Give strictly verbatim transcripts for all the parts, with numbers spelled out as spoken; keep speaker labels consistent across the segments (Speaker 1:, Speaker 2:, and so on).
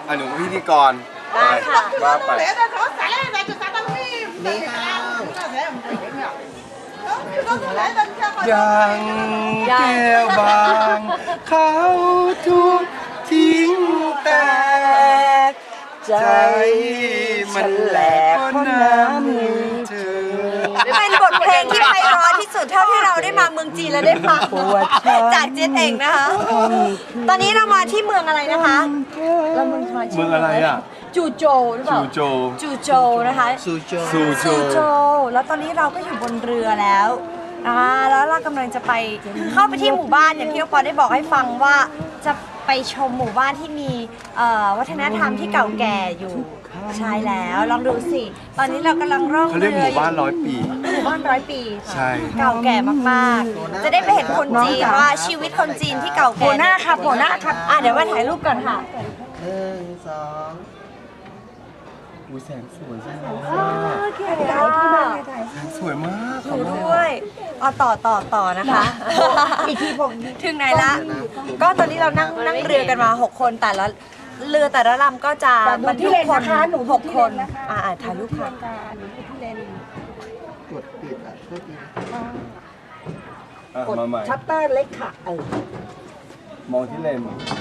Speaker 1: อ่ะหนูพิธีกร
Speaker 2: ได้ค่ะ
Speaker 1: ว่าไปยังแก้วบางเขาทุกทิ้งแต่ใจมันแหลกเพราะน้ำมือเธอ
Speaker 2: เป็นบทเพลงที่ไพเราะที่สุดเท่าที่เราได้มาเมืองจีนและได้ฟังจากเจนเองนะคะ ตอนนี้เรามาที่เมืองอะไรนะคะเราเมืองมาที่
Speaker 1: เมืองอะไรอ่ะ
Speaker 2: จูโจวหรือเปล่า
Speaker 1: จูโจว
Speaker 2: จูโจวนะคะ
Speaker 3: ซูโจ
Speaker 1: ซูโจ
Speaker 2: จูโจวแล้วตอนนี้เราก็อยู่บนเรือแล้วอ่าแล้วเรากำลังจะไปเข้าไปที่หมู่บ้านอย่างที่น้องปอได้บอกให้ฟังว่าจะไปชมหมู่บ้านที่มีเอ่อวัฒนธรรมที่เก่าแก่อยู่ใช่แล้วลองดูสิ ตอนนี้เรากำลังร่อง
Speaker 1: เขาเรียกหมู่บ้านร้อยปี
Speaker 2: หมู่บ้านร้อยปีค่ะ
Speaker 1: ใช่
Speaker 2: เก่าแก่มากๆ จะได้ไปเห็นคนจีนว่าชีวิตคนจีนที่เก่าแก่
Speaker 4: หัวหน้าค่ะหัวหน้าค่ะ
Speaker 2: อ่ะเดี๋ยวมาถ่ายรูปก่อนค่ะ
Speaker 3: หนึ่งสอง
Speaker 1: อุ้ยแสงสวยจังเลย
Speaker 2: โอเคค่ะ
Speaker 1: แสงสวยมาก
Speaker 2: ดูด้วยเอาต่อต่อต่อนะคะ
Speaker 4: อีกทีผม
Speaker 2: ถึงไหนละ ก็ตอนนี้เรานั่งนั่งเรือกันมาหกคนแต่ละเรือแต่ละลำก็จะบรรทุกคนหกคนอ่าถ่ายรูปค่ะ
Speaker 4: หนูที่เลน
Speaker 3: กดปิดอ่ะก็ดี
Speaker 1: อ่ะ
Speaker 4: กด
Speaker 1: มาใหม่
Speaker 4: ชัตเตอร์เล็กค่ะเออ
Speaker 1: มองที่เลน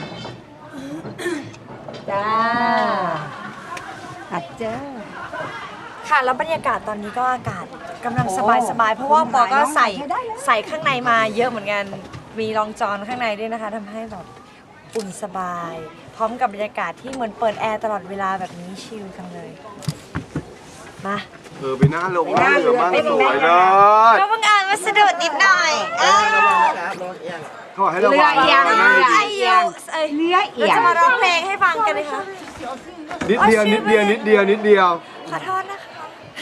Speaker 4: จ้าอัดเจ้า
Speaker 2: ค่ะแล้วบรรยากาศตอนนี้ก็อากาศกำลังสบายสบายๆเพราะว่าปอก็ใส่ใส่ข้างในมาเยอะเหมือนกันมีรองจอนข้างในด้วยนะคะทำให้แบบอุ่นสบาย พร้อมกับบรรยากาศที่เหมือนเปิดแอร์ตลอดเวลาแบบนี้ชิลจังเลยมา
Speaker 1: เออไปหน้าลงหน้าเรือมากสวยเลย
Speaker 2: ก็เพิ่งอ่านวัสดุนิดหน่อยเออ
Speaker 1: เขาบอกให้ระวัง
Speaker 4: เรือเอียง
Speaker 1: นั่ง
Speaker 2: ไอ
Speaker 1: ดี
Speaker 2: โยเอ้ย
Speaker 4: เนื้อเอี
Speaker 2: เรา
Speaker 4: ยง
Speaker 2: จะมาร้องเพลงให้ฟังกันเลยค่ะ
Speaker 1: นิดเดียวนิดเดียวนิดเดียวนิดเดียว
Speaker 2: ขอโทษนะคะ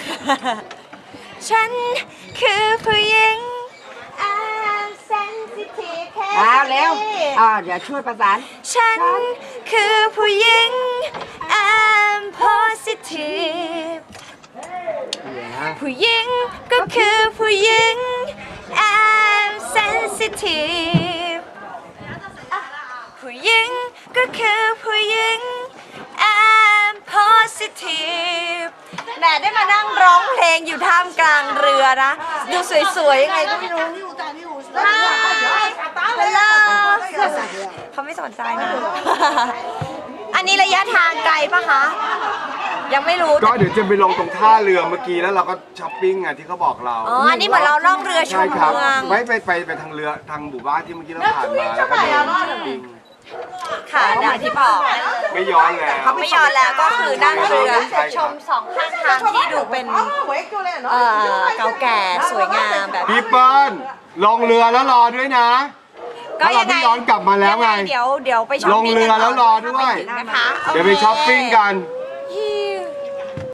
Speaker 2: ฉันคือผู้หญิง I'm sensitive แค่
Speaker 4: อ้าวเร็ว
Speaker 2: นี้
Speaker 4: อ่าเดี๋ยวช่วยประสาน
Speaker 2: ฉันคือผู้หญิง I'm positive ผู้หญิงก็คือผู้หญิง I'm sensitive ผู้หญิงก็คือผู้หญิง I'm positive แหมได้มานั่งร้องเพลงอยู่ท่ามกลางเรือนะ ดูสวยๆยังไงก็ไม่รู้ Hi Hello เขาไม่สนใจนะ อันนี้ระยะทางไกลปะคะ ยังไม่รู้
Speaker 1: ก็เดี๋ยวจะไปลงตรงท่าเรือเมื่อกี้แล้วเราก็ช้อปปิ้งไงที่เขาบอกเรา
Speaker 2: อ๋อ อันนี้เหมือนเราล่องเรือช
Speaker 1: ใช่
Speaker 2: ม
Speaker 1: ครับ
Speaker 2: เมือง
Speaker 1: ไม่ไปไปไปทางเรือทางหมู่บ้านที่เมื่อกี้เราผ่านมาแล้วก็เดินช้อปปิ้ง
Speaker 2: ค่ะอย่างที่บอก
Speaker 1: ไม่ย้อนแล้ว
Speaker 2: ไม่ย้อนแล้วก็คือนั่งเรือชมสองข้างทางที่ดูเป็นเอ่อเก่าแก่สวยงามแบบ
Speaker 1: พี่เปิ้ลลงเรือแล้วรอด้วยนะ
Speaker 2: ก็
Speaker 1: ถ้าเรา
Speaker 2: ยังไง
Speaker 1: ไม่ย้อนกลับมาแล้วไง
Speaker 2: เดี๋ยวเดี๋ยวไปช้อป
Speaker 1: ลง
Speaker 2: ปิ้ง
Speaker 1: เรือแล้วรอด้วย
Speaker 2: นะคะ
Speaker 1: เดี๋ยวไปช้อปปิ้งกัน
Speaker 2: โ